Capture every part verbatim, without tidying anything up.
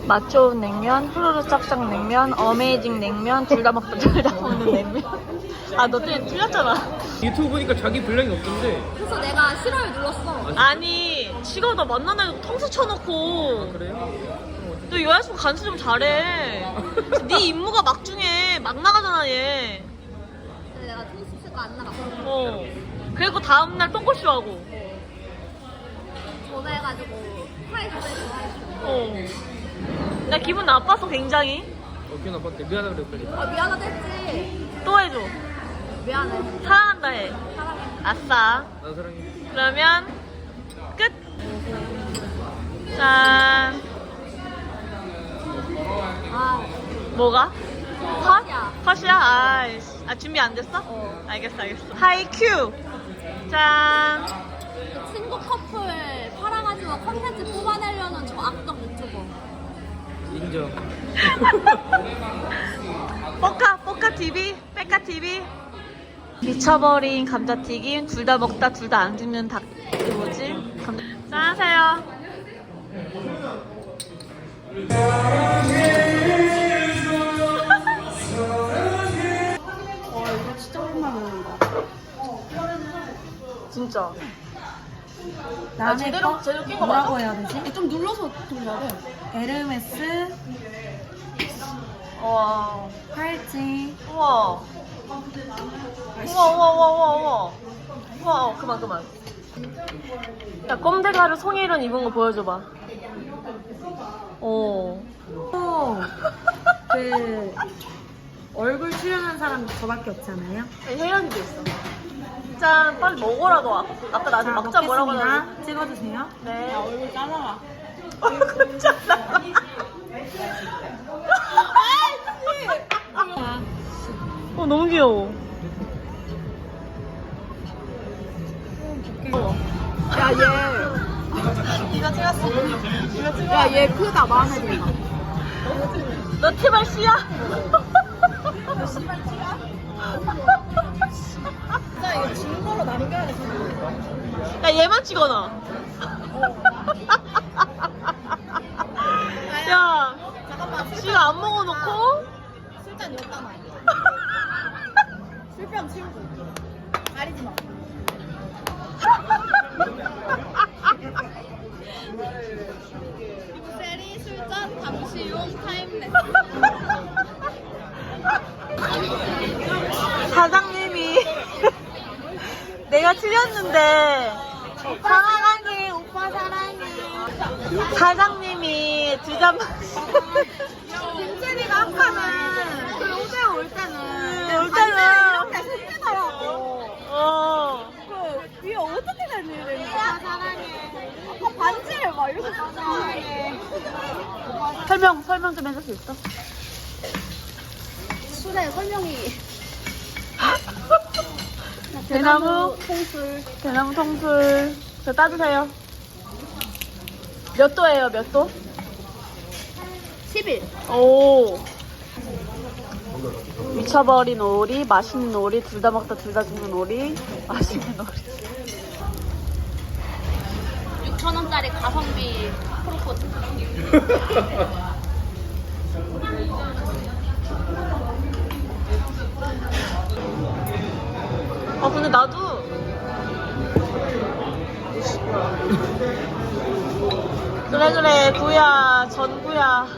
맛 좋은 냉면, 후루루 짝짝 냉면, 어메이징 냉면, 둘 다 먹다 둘 다 먹는 냉면. 아, 너 때문에 틀렸잖아. 유튜브 보니까 자기 분량이 없던데. 그래서 내가 싫어요 눌렀어. 아니, 지금 나 만나는 애도 통수 쳐놓고. 그래요? 너 여자친구 간수 좀 잘해. 네 임무가 막중해. 막 나가잖아, 얘. 근데 내가 통수가 안 나갔어. 어. 그리고 다음날 똥꼬쇼 하고. 전화해가지고 파이 전화해서 어. 나 기분 나빴어, 굉장히. 어, 기분 나빴대. 미안하다 그래, 빨리. 아 미안하다 했지. 또 해줘. 미안해. 사랑한다 해. 사랑해. 아싸. 난 사랑해. 그러면 끝. 짠. 아 뭐가? 컷? 컷이야. 컷이야? 아이씨. 아, 준비 안 됐어? 어. 알겠어, 알겠어. 하이큐. 짠. 그 친구 커플 팔아가지고 컨텐츠 뽑아내려는 저 악덕 유튜버. 인정. 뽀카, 뽀카 티비, 빼카 티비. 미쳐버린 감자튀김, 둘 다 먹다 둘 다 안 죽는 닭, 그 뭐지? 감자. 짠 하세요. 와 이거 진짜 오랜만에 먹는다. 진짜. 다음에 아, 제대로- 거 제대로 낀거 뭐라고 맞아? 해야 되지? 좀 눌러서 돌려야 돼. 에르메스 와. 팔찌 우와. 우와, 우와, 우와, 우와, 우와. 우와, 어, 그만, 그만. 야, 꼼데가루 송혜련 입은 거 보여줘봐. 오. 또 그 얼굴 출연한 사람 저밖에 없잖아요. 혜련이도 있어. 짠, 빨리 먹어라, 너. 아까 나한테 자, 먹자 뭐라고 하는데. 먹겠습니다. 찍어주세요. 네. 얼굴 잘라라. 얼굴 잘라. 어, 너무 귀여워. 야 얘. 이거 찍었어. 이거 찍어. 야 얘 크다 마음에 든다. 너 티발 씨야? 진짜 이거 증거로 남겨야 돼. 야, 얘만 찍어놔. 야, 잠깐만. 지가 안 먹어놓고. 술잔 여기다 놔. 술병 친구. 가리지 마. 빅세리 술잔 잠시용 타임랩스. 사장님이 내가 틀렸는데 사랑해 오빠 사랑해 사장님이 두 잔 빅세리가 아까는 그 로제 올 때는 올 때는 이렇게 숨기더라고. 어 그 위에 어떻게 된 일이야? 오빠 사랑해. 아까 반지를 막 이렇게 사랑해. 설명 설명 좀 해줄 수 있어? 술에 설명이. 대나무 통술. 대나무 통술 저 따주세요. 몇 도예요 몇 도? 십일. 오 미쳐버린 오리 맛있는 오리 둘 다 먹다 둘 다 죽는 오리 맛있는 오리 육천 원짜리 가성비 프로포즈. 아 근데 나도 그래 그래 구야 전구야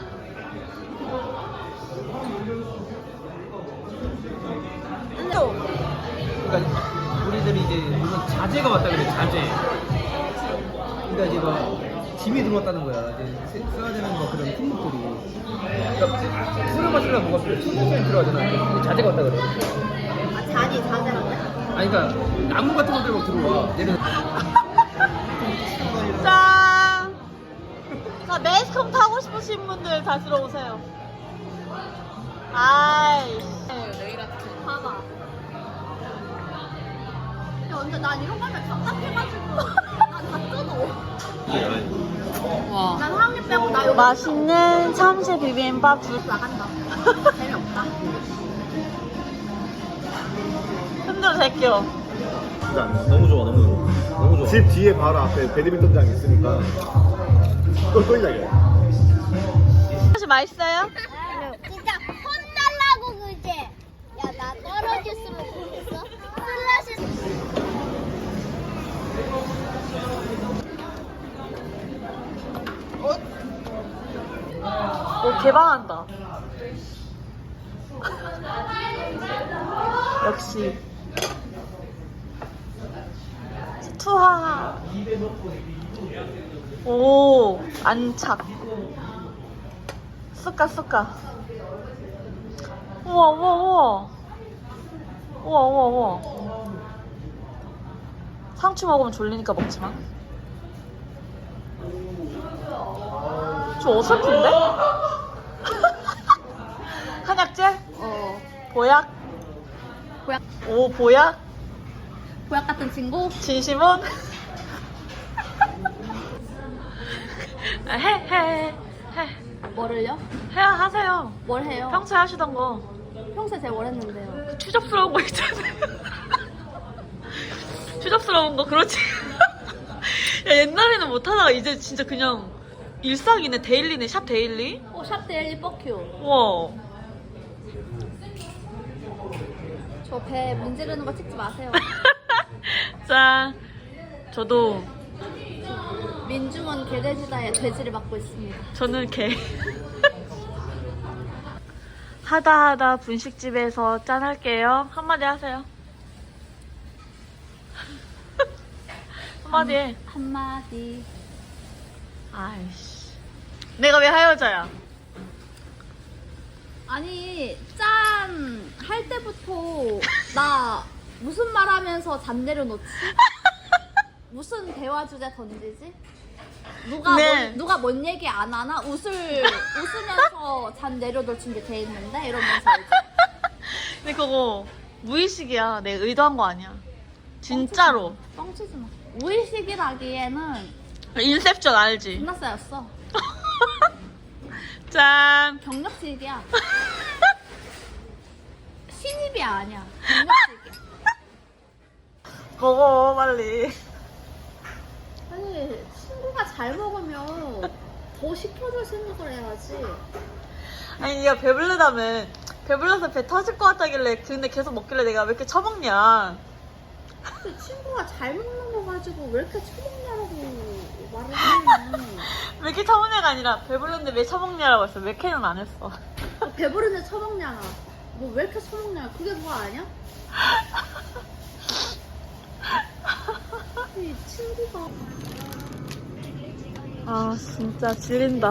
그러니까 우리들이 이제 무슨 자재가 왔다 그래, 자재. 그러니까 이제 막 짐이 들어왔다는 거야. 이제 세- 써야 되는 거 그런 품목들이. 그러니까 술을 마시려면 뭐가 필요해? 천천히 들어가잖아. 근데 자재가 왔다 그래. 아, 잔이 자제라고? 아니 그러니까 나무 같은 것들 막 들어와. 얘는 짠! 자 매스컴 타고 싶으신 분들 다 들어오세요. 아이씨 내일 아침 봐봐. 야 근데 난 이런 거 하면 답답해가지고 난 다 끊어. 와. 난 한 입 빼고 나 여기 맛있는 참치 비빔밥 두 나간다. 재미없다. 흔들어 제껴. 일단 너무 좋아, 너무 좋아. 너무 좋아. 집 뒤에 바로 앞에 배드민턴장이 있으니까 또 또 이야기야. 맛있어요? 진짜 혼날라고 그제. 야, 나 떨어졌으면 좋겠어. 슬라시. 오, 개방한다. 역시. 투하. 오, 안착. 쑥가, 쑥가. 우와, 우와, 우와. 우와, 우와, 우와. 상추 먹으면 졸리니까 먹지 마. 좀 어설픈데? 한약재? 어. 보약? 보약. 오, 보약? 보약 같은 친구? 진심은? 아, 해, 해, 해. 뭐를요? 해야 하세요. 뭘 해요? 평소에 하시던 거. 평소에 제가 뭘 했는데요? 추접스러운 거 있잖아요. 추접스러운 거, 그렇지. 야, 옛날에는 못하다가 이제 진짜 그냥 일상이네, 데일리네, 샵 데일리? 어, 샵 데일리 뻑큐. 우와. 저 배 문지르는 거 찍지 마세요. 짠. 저도, 민중원 개돼지다의 돼지를 맡고 있습니다. 저는 개. 하다 하다 분식집에서 짠 할게요. 한마디 하세요. 한마디 해. 한마디. 아이씨. 내가 왜 하여자야? 아니, 짠! 할 때부터 나 무슨 말 하면서 잠 내려놓지? 무슨 대화 주제 던지지? 누가 네. 뭔, 누가 뭔 얘기 안 하나? 웃을, 웃으면서 잠 내려놓을 준비 돼 있는데? 이러면서 이제. 근데 그거 무의식이야. 내가 의도한 거 아니야. 진짜로. 뻥치지 마. 무의식이라기에는 인셉션 알지? 존나 쌓였어. 짠. 경력직이야. 신입이 아니야. 경력직이야. 먹어 빨리. 아니, 친구가 잘 먹으면 더 시켜줄 생각을 해야지. 아니 네가 배부르다며. 배불러서 배 터질 것 같다길래 근데 계속 먹길래 내가 왜 이렇게 처먹냐. 근데 친구가 잘 먹는 거 가지고 왜 이렇게 처먹냐라고 말을 하면 왜 이렇게 처먹냐가 아니라 배불렀는데 왜 처먹냐라고 했어. 왜 캐는 안 했어. 배부른데 처먹냐나 뭐 왜 이렇게 처먹냐 그게 그거 아니야? 이 친구가 아 진짜 질린다.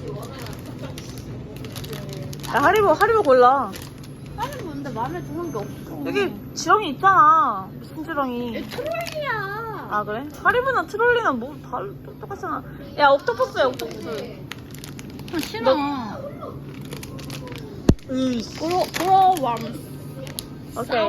야 하리보 하리보 골라. 아니 뭔데 마음에 드는 게 없어. 여기 지렁이 있잖아. 무슨 지렁이? 트롤리야. 아 그래? 하리보나 트롤리는 뭐 다 똑같잖아. 야 옥토퍼스야 옥토퍼스. 싫어. 으이씨. 브로 브로왕. 오케이.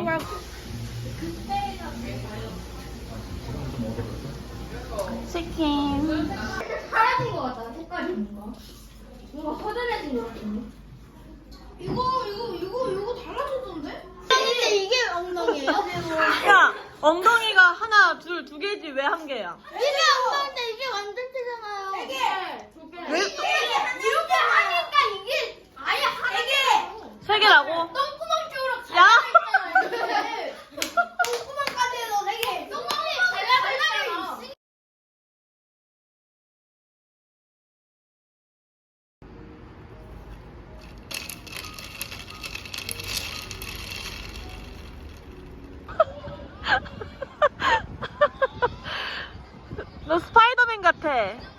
치킨. 사라진 거 같다. 색깔이 뭔가. 뭔가 허전해진 거 같은데. 이거 이거 이거 이거 달라졌던데? 근데 이게 엉덩이에요? 야 엉덩이가 하나 둘 두 개지 왜 한 개야? 이게 엉덩인데 이게 완전체잖아요. 세 개. 두 개. 왜? 이게 이렇게 하니까 이게 아예 하나가 세 개라고? 똥구멍 쪽으로 야! 갈라져 똥구멍까지 해서 세 개. 똥구멍이 갈라갈라 있어. 너 스파이더맨 같아.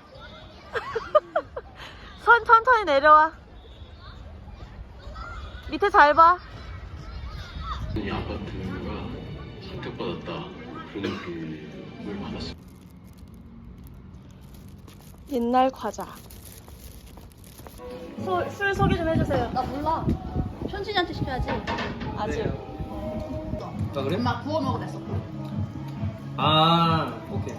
손 천천히 내려와. 밑에 잘 봐. 이 아파트가 선택받았다 그런 느낌을 받았어요. 옛날 과자. 소, 술 소개 좀 해주세요. 나 몰라. 현진이한테 시켜야지. 아직. 아 그래? 엄마 구워 먹으랬어. 아 오케이.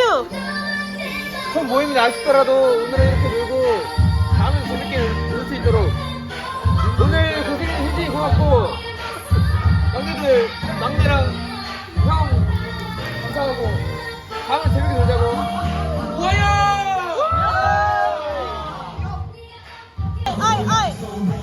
큐! 첫 모임이 아쉽더라도 오늘은 이렇게 놀고 다음은 재밌게 놀 수 있도록 오늘 고생 굉장히 고맙고 막내들 막내랑 형 감사하고 다음은 재밌게 놀자고 좋아요! 아이 아이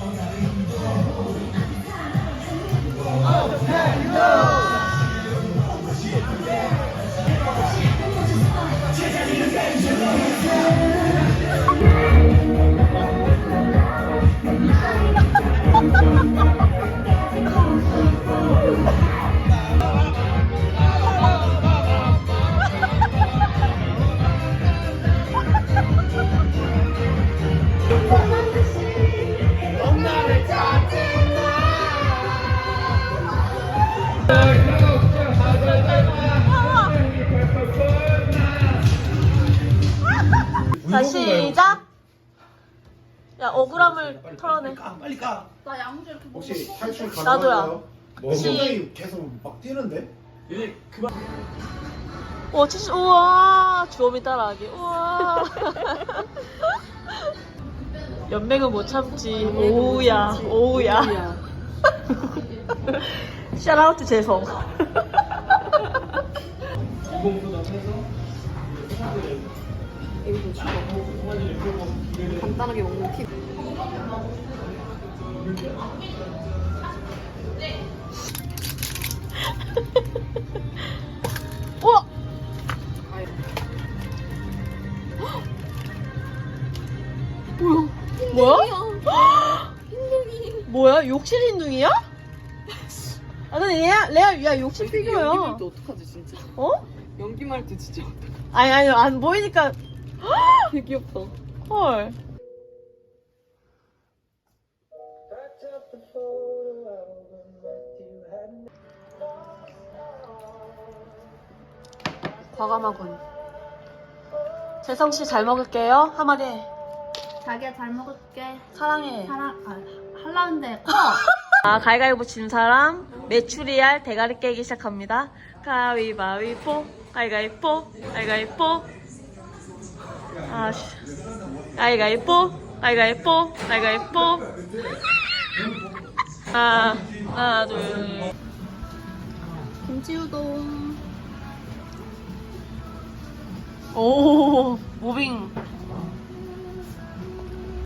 자 시작. 야 억울함을 털어내. 빨리 까! 나 양주 이렇게 먹고 혹시 탈출 나도야. 가능한가요? 시- 심장이 계속 막 뛰는데? 와 진짜 우와 주엄이 따라하기 우와. 연맹은 못 참지. 오우야 오우야. 샤라우트 재성. 간단하게 먹는 팁. 우와. 뭐야? 뭐야? 뭐야? 욕실 흰둥이야? 아 근데 레아 레아 야 욕실 피규어야. 어떡하지 진짜? 어? 연기말 때 진짜 아니 아니 안 보이니까. 되게 귀엽다. 헐. 과감하군. 재성 씨 잘 먹을게요. 한마디 해. 자기야 잘 먹을게. 사랑해. 사랑 아 할라는데 커. 아, 가위가위보 진 사람 메추리알 대가리 깨기 시작합니다. 가위바위보, 가위가위보, 가위가위보. 아, 씨. 가위가위보, 가위가위보, 가위가위보. 아, 하나, 둘. 김치우동. 오, 무빙.